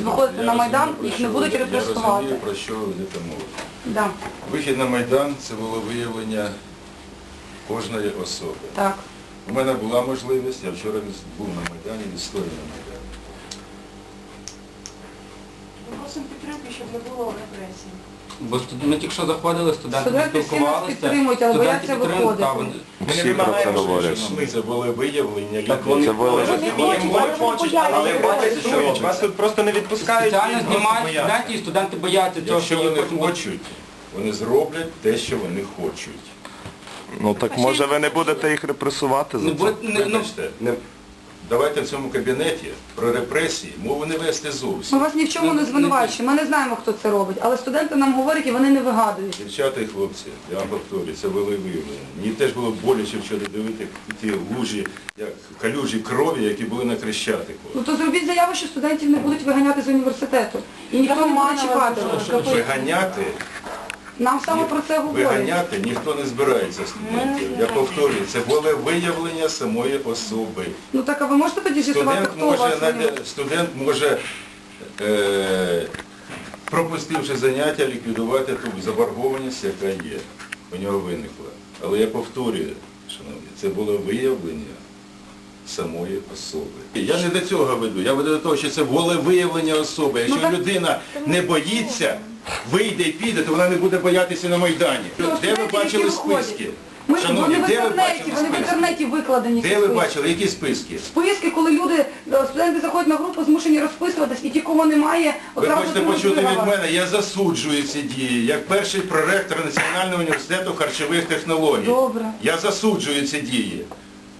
виходити на Майдан, їх не будуть Я репресувати. розумію, про що ви йдете мова. Да. Вихід на Майдан – це було виявлення кожної особи. Так. У мене була можливість, я вчора був на Майдані, відстояв на Майдані. Ми просимо підтримки, щоб не було репресій. Бо ми тільки що заходили, студенти Студенти всі нас спілкувалися. підтримують, але бояться студенти підтримують, виходити. та, вони- Всі Ми не про це вимагаємо, говорять. Шановні, це були виявлення людей. Це було Вони хочуть, але протестують. Вас тут просто не відпускають. Спеціально і просто знімають бояться. студентів, і студенти бояться цього, Якщо що їх вони потім- хочуть, вони зроблять те, що вони хочуть. Ну так може ви не будете їх репресувати за Не це? буде- не- ну, Вибачте, давайте в цьому кабінеті про репресії мову не вести Ми зовсім. вас ні в чому не звинувачуємо, ми не знаємо, хто це робить, але студенти нам говорять і вони не вигадують. Дівчата і хлопці, я вам повторюю, це були виявлення. Мені теж було боляче вчора дивити ті лужі, як калюжі крові, які були на Хрещатику. Ну то зробіть заяву, що студентів не будуть виганяти з університету. І ніхто не буде чіпати. Виганяти, Нам саме про це говорять. виганяти ніхто не збирається студентів. Я повторюю, це було виявлення самої особи. Ну так, а ви можете тоді з'ясувати, хто у вас? Студент може, пропустивши заняття, ліквідувати ту заборгованість, яка є. У нього виникла. Але я повторюю, шановні, це було виявлення самої особи. Я не до цього веду, я веду до того, що це було виявлення особи. Якщо так- людина не боїться, вийде і піде, то вона не буде боятися на Майдані. Де ви студентів, бачили які виходять. списки? Вони Шановні, в де ви інтернеті, бачили вони в списки? інтернеті викладені. ці Де ви списки. бачили, які списки? Списки, коли люди, студенти заходять на групу, змушені розписуватись, і ті, кого немає, Ви одразу хочете беруть почути від вигадати. мене, я засуджую ці дії, як перший проректор Національного університету харчових технологій. Добре. Я засуджую ці дії.